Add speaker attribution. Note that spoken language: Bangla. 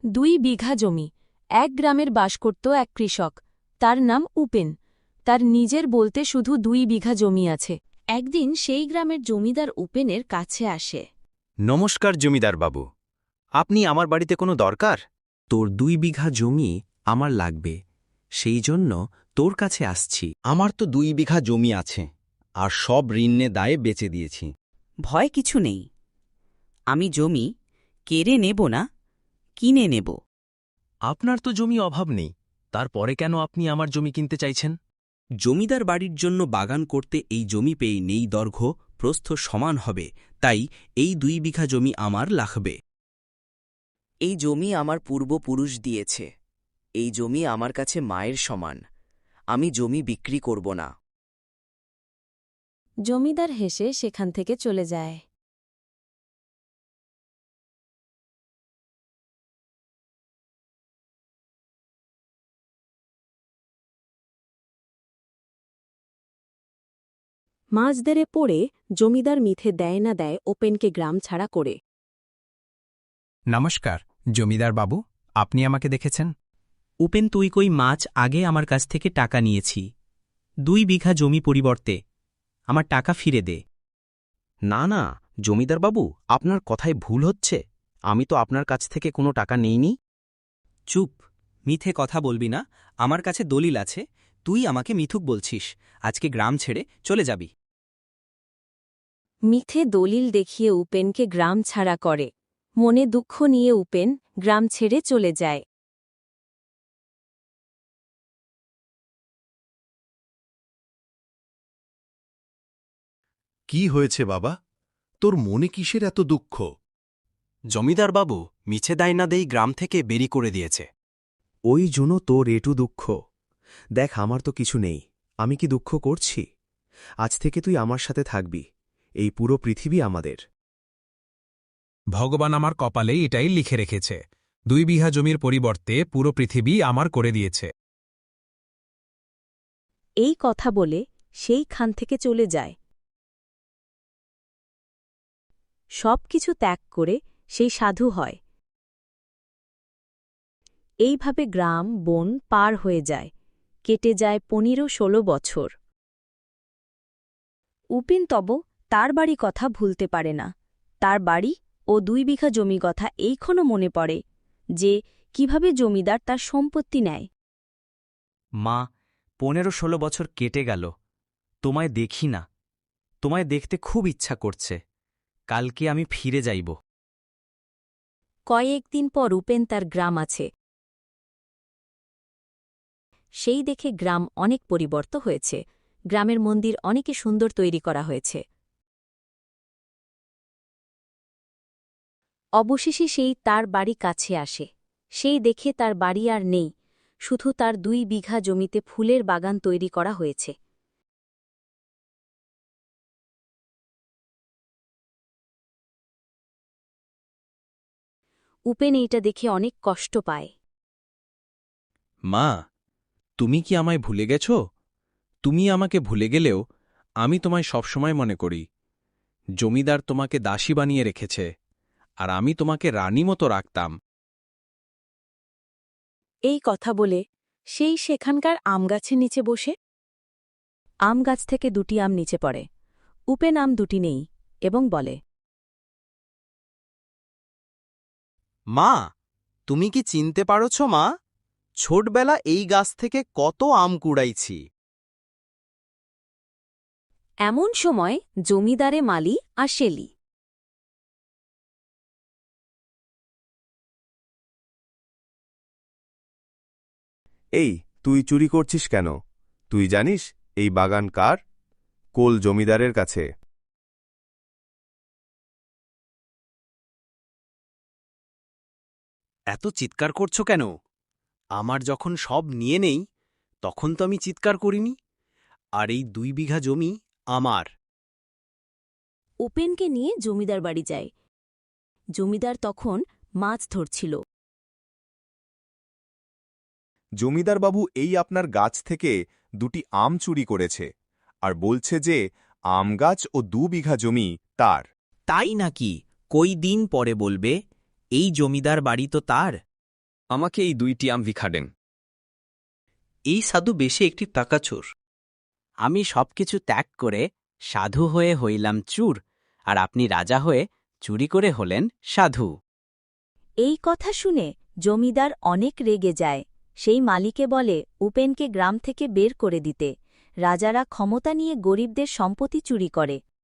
Speaker 1: 2 বিঘা জমি। এক গ্রামের বাস করত এক কৃষক। তার নাম উপেন। তার নিজের বলতে শুধু 2 বিঘা জমি আছে। একদিন সেই গ্রামের জমিদার উপেনের কাছে আসে।
Speaker 2: নমস্কার জমিদার বাবু, আপনি আমার বাড়িতে কোনো দরকার?
Speaker 3: তোর 2 বিঘা জমি আমার লাগবে, সেই জন্য তোর কাছে আসছি।
Speaker 2: আমার তো 2 বিঘা জমি আছে, আর সব ঋণে দায়ে বেচে দিয়েছি।
Speaker 4: ভয় কিছু নেই। আমি জমি কেড়ে নেব না, কিনে নেব।
Speaker 3: আপনার তো জমি অভাব নেই, তারপরে কেন আপনি আমার জমি কিনতে চাইছেন? জমিদার বাড়ির জন্য বাগান করতে এই জমি পেয়ে নেই দৈর্ঘ্য প্রস্থ সমান হবে, তাই এই 2 বিঘা জমি আমার লাগবে।
Speaker 4: এই জমি আমার পূর্বপুরুষ দিয়েছে। এই জমি আমার কাছে মায়ের সমান। আমি জমি বিক্রি করব না।
Speaker 1: জমিদার হেসে সেখান থেকে চলে যায়। মাঝদেরে পড়ে জমিদার মিথে দেয় না দেয় ওপেনকে গ্রাম ছাড়া করে।
Speaker 5: নমস্কার জমিদার বাবু, আপনি আমাকে দেখেছেন?
Speaker 4: উপেন, তুই কই মাছ আগে আমার কাছ থেকে টাকা নিয়েছি। 2 বিঘা জমি পরিবর্তে আমার টাকা ফিরে দে।
Speaker 3: না না জমিদার বাবু, আপনার কথায় ভুল হচ্ছে। আমি তো আপনার কাছ থেকে কোনো টাকা নেইনি।
Speaker 4: চুপ, মিথ্যে কথা বলবি না। আমার কাছে দলিল আছে। তুই আমাকে মিথুক বলছিস। আজকে গ্রাম ছেড়ে চলে যাবি।
Speaker 1: মিথ্যে দলিল দেখিয়ে উপেনকে গ্রাম ছাড়া করে। মনে দুঃখ নিয়ে উপেন গ্রাম ছেড়ে চলে যায়।
Speaker 6: কি হয়েছে বাবা, তোর মনে কিসের এত দুঃখ?
Speaker 2: জমিদার বাবু মিছে দায় না দেই গ্রাম থেকে বেরি করে দিয়েছে।
Speaker 3: ওই জন্য তোর এটু দুঃখ। দেখ, আমার তো কিছু নেই, আমি কি দুঃখ করছি? আজ থেকে তুই আমার সাথে থাকবি। এই পুরো পৃথিবী আমাদের।
Speaker 5: ভগবান আমার কপালে এটাই লিখে রেখেছে, 2 বিঘা জমির পরিবর্তে পুরো পৃথিবী আমার করে দিয়েছে।
Speaker 1: এই কথা বলে সেইখান থেকে চলে যায়। সব কিছু ত্যাগ করে সেই সাধু হয়। এইভাবে গ্রাম বন পার হয়ে যায়। কেটে যায় 15-16 বছর। উপেন তব তার বাড়ি কথা ভুলতে পারে না। তার বাড়ি ও 2 বিঘা জমি কথা এইক্ষণও মনে পড়ে, যে কিভাবে জমিদার তার সম্পত্তি নেয়।
Speaker 4: মা, 15-16 বছর কেটে গেল, তোমায় দেখি না। তোমায় দেখতে খুব ইচ্ছা করছে। কালকে আমি ফিরে যাইব।
Speaker 1: কয়েকদিন পর উপেন তার গ্রাম আছে। সেই দেখে গ্রাম অনেক পরিবর্তন হয়েছে। গ্রামের মন্দির অনেকে সুন্দর তৈরি করা হয়েছে। অবশেষে সেই তার বাড়ি কাছে আসে। সেই দেখে তার বাড়ি আর নেই, শুধু তার 2 বিঘা জমিতে ফুলের বাগান তৈরি করা হয়েছে। উপেন এইটা দেখে অনেক কষ্ট পায়।
Speaker 3: মা, তুমি কি আমায় ভুলে গেছ? তুমি আমাকে ভুলে গেলেও আমি তোমায় সবসময় মনে করি। জমিদার তোমাকে দাসী বানিয়ে রেখেছে, আর আমি তোমাকে রানী মতো রাখতাম।
Speaker 1: এই কথা বলে সেই সেখানকার আমগাছের নিচে বসে। আম গাছ থেকে 2টি আম নিচে পড়ে। উপেন আম 2টি নেই এবং বলে,
Speaker 2: মা, তুমি কি চিনতে পারছ মা? ছোটবেলা এই গাছ থেকে কত আম কুড়াইছি।
Speaker 1: এমন সময় জমিদারে মালি আর শেলি।
Speaker 6: এই, তুই চুরি করছিস কেন? তুই জানিস এই বাগান কার? কোল জমিদারের কাছে।
Speaker 2: এত চিৎকার করছো কেন? আমার যখন সব নিয়ে নেই, তখন তো আমি চিৎকার করিনি। আর এই 2 বিঘা জমি আমার।
Speaker 1: উপেনকে নিয়ে জমিদার বাড়ি যায়। জমিদার তখন মাছ ধরছিল।
Speaker 6: জমিদার বাবু এই আপনার গাছ থেকে 2টি আম চুরি করেছে, আর বলছে যে আম গাছ ও 2 বিঘা জমি তার।
Speaker 4: তাই নাকি? কই দিন পরে বলবে, এই জমিদার বাড়ি তো তার।
Speaker 7: আমাকে এই 2টি আম ভিক্ষা দেন।
Speaker 2: এই সাধু বেশি একটি টাকাচোর। আমি সবকিছু ত্যাগ করে সাধু হয়ে হইলাম চুর, আর আপনি রাজা হয়ে চুরি করে হলেন সাধু।
Speaker 1: এই কথা শুনে জমিদার অনেক রেগে যায়। সেই মালিকে বলে উপেনকে গ্রাম থেকে বের করে দিতে। রাজারা ক্ষমতা নিয়ে গরিবদের সম্পত্তি চুরি করে।